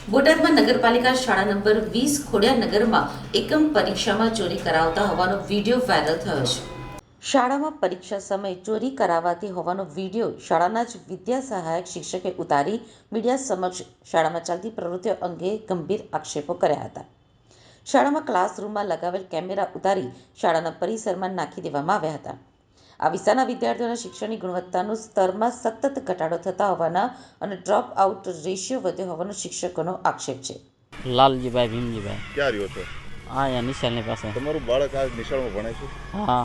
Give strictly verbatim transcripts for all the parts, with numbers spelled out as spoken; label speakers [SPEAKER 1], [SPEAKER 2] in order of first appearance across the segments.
[SPEAKER 1] બોટાદમાં નગરપાલિકા શાળા નંબર વીસ ખોડિયારનગરમાં એકમ પરીક્ષામાં ચોરી કરાવતા હોવાનો વિડીયો વાયરલ થયો છે. શાળામાં પરીક્ષા સમયે ચોરી કરાવાતી હોવાનો વિડીયો શાળાના જ વિદ્યા સહાયક શિક્ષકે ઉતારી મીડિયા સમક્ષ શાળામાં ચાલતી પ્રવૃત્તિઓ અંગે ગંભીર આક્ષેપો કર્યા હતા. શાળામાં ક્લાસરૂમમાં લગાવેલ કેમેરા ઉતારી શાળાના પરિસરમાં નાખી દેવામાં આવ્યા હતા. આ વિસ્તારના વિદ્યાર્થીઓના શિક્ષણની ગુણવત્તાનું સ્તરમાં સતત ઘટાડો થતા હોવાના અને ડ્રોપ આઉટ રેશિયો વધ્યો હોવાનો શિક્ષકોનો આક્ષેપ છે.
[SPEAKER 2] લાલજીભાઈ ભીમજીભાઈ.
[SPEAKER 3] ક્યાં રહ્યો છો?
[SPEAKER 2] હા, અહીંયા નિશાળની પાસે.
[SPEAKER 3] તમારું બાળક આ નિશાળમાં ભણે છે?
[SPEAKER 2] હા,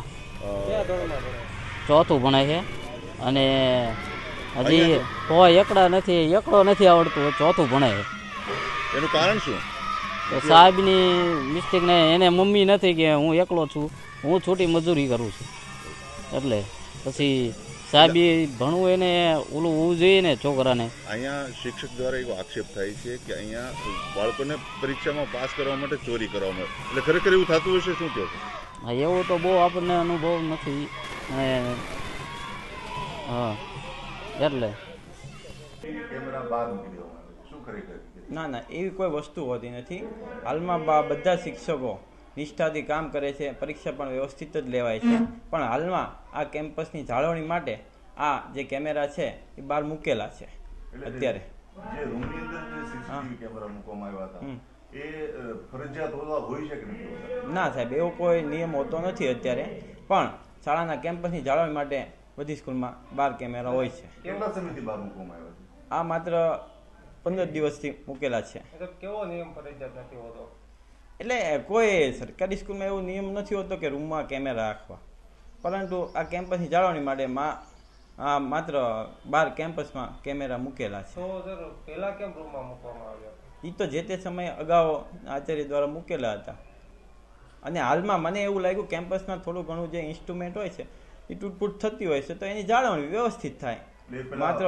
[SPEAKER 2] ચોથું ભણે છે અને હજી કોઈ એકડા નથી એકડો નથી આવડતું, ચોથું ભણે છે.
[SPEAKER 3] એનું કારણ શું?
[SPEAKER 2] તો સાહેબની મિસ્ટેક ને એને મમ્મી નથી કે હું એકલો છું, હું છૂટી મજૂરી કરું છું, એટલે પછી સાહેબ ભણવું એને ઓલું હોવું જોઈએ ને છોકરાને.
[SPEAKER 3] અહીંયા શિક્ષક દ્વારા એવો આક્ષેપ થાય છે કે અહીંયા બાળકોને પરીક્ષામાં પાસ કરવા માટે ચોરી કરવામાં આવે, એટલે ખરેખર એવું થતું હશે? શું કહો છો?
[SPEAKER 2] હા, એવું તો બહુ આપણને અનુભવ નથી. અને હા, એટલે
[SPEAKER 4] ના ના એવી કોઈ વસ્તુ હોતી નથી. હાલમાં બા બધા શિક્ષકો નિષ્ઠાથી કામ કરે છે, પરીક્ષા પણ વ્યવસ્થિત જ લેવાય છે. પણ હાલમાં આ કેમ્પસની જાળવણી માટે આ જે કેમેરા છે એ બહાર મૂકેલા છે. અત્યારે
[SPEAKER 3] જે રૂમની અંદર જે સીસીટીવી કેમેરા મૂકવામાં આવ્યા હતા એ ફરજિયાત હોવા હોય છે કે નથી?
[SPEAKER 4] ના સાહેબ, એવો કોઈ નિયમ હોતો નથી અત્યારે, પણ શાળાના કેમ્પસની જાળવણી માટે બધી સ્કૂલમાં બાર કેમેરા હોય છે.
[SPEAKER 3] કેટલા સમયથી બહાર મૂકવામાં આવ્યા છે?
[SPEAKER 4] આ માત્ર પંદર દિવસથી મૂકેલા છે.
[SPEAKER 5] કેવો નિયમ ફરજિયાત નથી હોતો?
[SPEAKER 4] એટલે કોઈ સરકારી સ્કૂલમાં એવો નિયમ નથી હોતો કે રૂમમાં કેમેરા રાખવા, પરંતુ આ કેમ્પસની જાળવણી માટે માં આ માત્ર બાર કેમ્પસમાં કેમેરા મૂકેલા છે.
[SPEAKER 5] તો સર પહેલા કેમ રૂમમાં મૂકવામાં આવ્યા?
[SPEAKER 4] એ તો જે તે સમયે અગાઉ આચાર્ય દ્વારા મૂકેલા હતા. અને હાલમાં મને એવું લાગ્યું કેમ્પસમાં થોડું ઘણું જે ઇન્સ્ટ્રુમેન્ટ હોય છે એ તૂટફૂટ થતી હોય છે, તો એની જાળવણી વ્યવસ્થિત થાય. માત્ર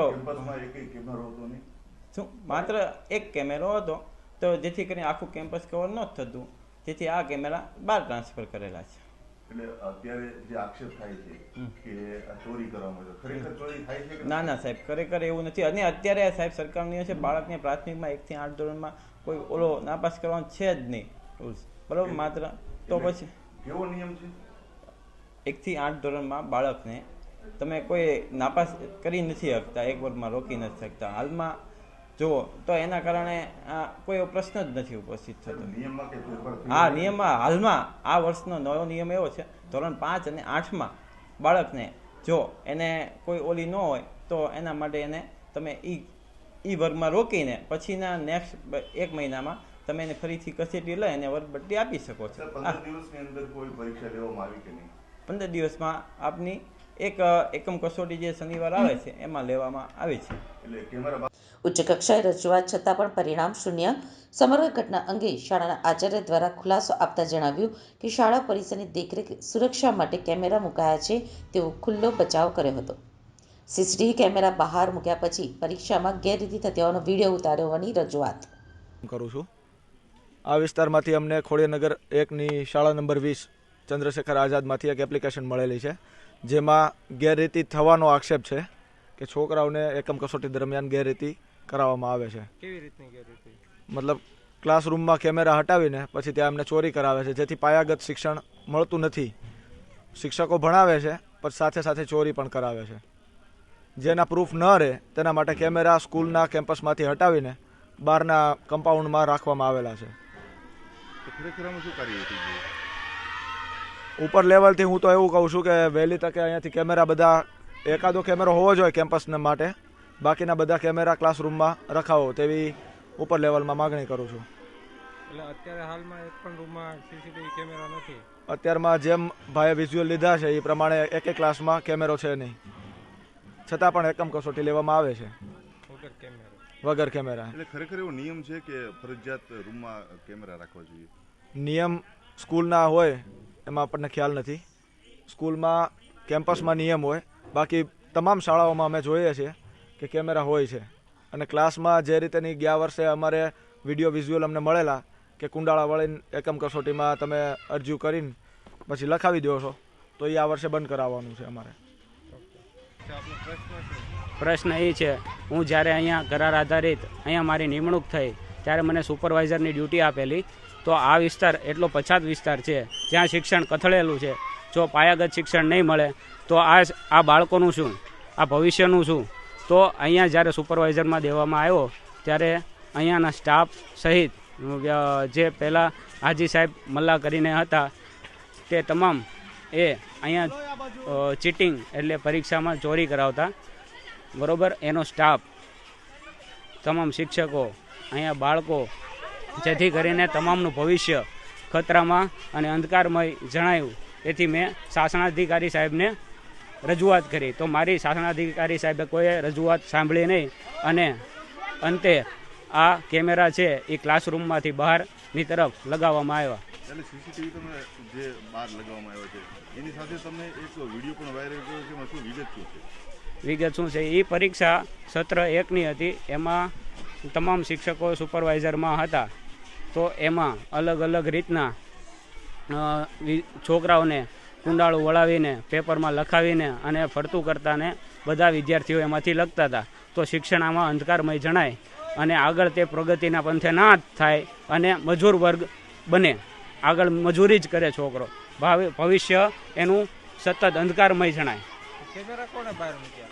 [SPEAKER 4] શું માત્ર એક કેમેરો હતો, તો જેથી કરીને આખું કેમ્પસ કવર ન થતું, જેથી આ કેમેરા બહાર ટ્રાન્સફર કરેલા છે.
[SPEAKER 3] એટલે અત્યારે જે આક્ષેપ થાય છે કે આ ચોરી કરવામાં આવે, ખરેખર ચોરી થાય છે કે?
[SPEAKER 4] ના ના સાહેબ, ખરેખર એવું નથી. અને અત્યારે સાહેબ સરકારનો નિયમ છે બાળકને પ્રાથમિકમાં એકથી આઠ ધોરણમાં કોઈ ઓલો નાપાસ કરવાનો છે જ નહીં રૂલ્સ, બરાબર? માત્ર તો પછી
[SPEAKER 3] કેવો નિયમ છે?
[SPEAKER 4] એકથી આઠ ધોરણમાં બાળકને તમે કોઈ નાપાસ કરી નથી શકતા, એક વર્ગમાં રોકી નથી શકતા. હાલમાં જુઓ તો એના કારણે આ કોઈ પ્રશ્ન જ નથી ઉપસ્થિત થતો.
[SPEAKER 3] નિયમમાં કે
[SPEAKER 4] હા, નિયમમાં હાલમાં આ વર્ષનો નવો નિયમ એવો છે, ધોરણ પાંચ અને આઠમાં બાળકને જો એને કોઈ ઓલી ન હોય તો એના માટે એને તમે ઈ ઈ વર્ગમાં રોકીને પછીના નેક્સ્ટ એક મહિનામાં તમે એને ફરીથી કસેટી લઈ અને વર્ગબટ્ટી આપી શકો છો.
[SPEAKER 3] પંદર દિવસની અંદર કોઈ પરીક્ષા લેવામાં આવી કે નહીં?
[SPEAKER 4] પંદર દિવસમાં આપની એક એકમ કસોટી જે શનિવાર આવે છે એમાં લેવામાં આવે છે.
[SPEAKER 3] એટલે કેમેરા
[SPEAKER 1] ઉચ્ચ કક્ષાએ રજૂઆત છતાં પણ પરિણામ શૂન્ય. સમગ્ર ઘટના અંગે શાળાના આચાર્ય દ્વારા ખુલાસો આપતા જણાવ્યું કે શાળા પરિસરની દેખરેખ સુરક્ષા માટે કેમેરા મુકાયા છે તેવો ખુલ્લો બચાવ કર્યો હતો. સીસીટીવી કેમેરા બહાર મૂક્યા પછી પરીક્ષામાં ગેરરીતિ થતી હોવાનો વિડીયો ઉતાર્યો હોવાની રજૂઆત
[SPEAKER 6] કરું છું. આ વિસ્તારમાંથી અમને ખોડિયારનગર એકની શાળા નંબર વીસ ચંદ્રશેખર આઝાદમાંથી એક એપ્લિકેશન મળેલી છે, જેમાં ગેરરીતિ થવાનો આક્ષેપ છે કે છોકરાઓને એકમ કસોટી દરમિયાન ગેરરીતિ કરાવવામાં આવે છે.
[SPEAKER 5] કેવી રીતની ગેરરીતિ?
[SPEAKER 6] મતલબ ક્લાસરૂમમાં કેમેરા હટાવીને પછી ત્યાં એમને ચોરી કરાવે છે, જેથી પાયાગત શિક્ષણ મળતું નથી. શિક્ષકો ભણાવે છે પણ સાથે સાથે ચોરી પણ કરાવે છે. જેના પ્રૂફ ન રહે તેના માટે કેમેરા સ્કૂલના કેમ્પસમાંથી હટાવીને બહારના કમ્પાઉન્ડમાં રાખવામાં આવેલા છે.
[SPEAKER 3] ખરેખર આમાં શું કાર્યવાહી થઈ?
[SPEAKER 6] ઉપર લેવલથી હું તો એવું કહું છું કે વહેલી તકે અહીંયાથી કેમેરા બધા, એકાદો કેમેરો હોવો જોઈએ કેમ્પસને માટે, બાકીના બધા કેમેરા ક્લાસરૂમમાં રખાવો તેવી ઉપર લેવલમાં માગણી કરું છું.
[SPEAKER 5] એટલે અત્યારે હાલમાં એક પણ રૂમમાં સીસીટીવી કેમેરા નથી?
[SPEAKER 6] અત્યારમાં જેમ ભાઈએ વિઝ્યુઅલ લીધા છે એ પ્રમાણે એક એક ક્લાસમાં કેમેરો છે નહીં, છતાં પણ એકમ કસોટી લેવામાં આવે છે
[SPEAKER 5] વગર કેમેરા
[SPEAKER 6] વગર કેમેરા.
[SPEAKER 3] એટલે ખરેખર એવો નિયમ છે કે ફરજિયાત રૂમમાં કેમેરા રાખવા જોઈએ?
[SPEAKER 6] નિયમ સ્કૂલના હોય એમાં આપણને ખ્યાલ નથી. સ્કૂલમાં કેમ્પસમાં નિયમ હોય, બાકી તમામ શાળાઓમાં અમે જોઈએ છીએ કે કેમેરા હોય છે. અને ક્લાસમાં જે રીતેની ગયા વર્ષે અમારે વિડીયો વિઝ્યુઅલ અમને મળેલા કે કુંડાળા વળીને એકમ કસોટીમાં તમે અરજી કરીને પછી લખાવી દો છો, તો એ આ વર્ષે બંધ કરાવવાનું છે અમારે.
[SPEAKER 7] પ્રશ્ન એ છે, હું જ્યારે અહીંયા કરાર આધારિત અહીંયા મારી નિમણૂક થઈ ત્યારે મને સુપરવાઇઝરની ડ્યુટી આપેલી. તો આ વિસ્તાર એટલો પછાત વિસ્તાર છે જ્યાં શિક્ષણ કથળેલું છે. જો પાયાગત શિક્ષણ નહીં મળે તો આ આ બાળકોનું શું, આ ભવિષ્યનું શું? તો અહીંયા જ્યારે સુપરવાઇઝરમાં દેવામાં આવ્યો ત્યારે અહીંયાના સ્ટાફ સહિત જે પહેલાં હાજી સાહેબ મલ્લા કરીને હતા તે તમામ એ અહીંયા ચીટિંગ એટલે પરીક્ષામાં ચોરી કરાવતા, બરાબર. એનો સ્ટાફ, તમામ શિક્ષકો, અહીંયા બાળકો, જેથી કરીને તમામનું ભવિષ્ય ખતરામાં અને અંધકારમય જણાયું. તેથી મેં શાસનાધિકારી સાહેબને રજૂઆત કરી. તો મારી શાસનાધિકારી સાહેબે કોઈ રજૂઆત સાંભળી નહીં અને અંતે આ કેમેરા છે એ ક્લાસરૂમમાંથી બહારની તરફ લગાવવામાં આવ્યા.
[SPEAKER 3] એટલે સીસીટીવી તમે જે બહાર લગાવવામાં આવ્યો છે એની સાથે તમે એક વિડીયો પણ વાયરલ કર્યો છે, એમાં શું વિગત શું છે?
[SPEAKER 7] વિગત શું છે? એ પરીક્ષા સત્ર એકની હતી. એમાં તમામ શિક્ષકો સુપરવાઇઝરમાં હતા. તો એમાં અલગ અલગ રીતના છોકરાઓને કુંડાળું વળાવીને પેપરમાં લખાવીને અને ફરતું કરતાને બધા વિદ્યાર્થીઓ એમાંથી લખતા હતા. તો શિક્ષણ આમાં અંધકારમય જણાય અને આગળ તે પ્રગતિના પંથે ના થાય અને મજૂર વર્ગ બને, આગળ મજૂરી જ કરે છોકરો, ભાવિ ભવિષ્ય એનું સતત અંધકારમય જણાય.
[SPEAKER 5] કેમેરા કોને બહાર મૂક્યા?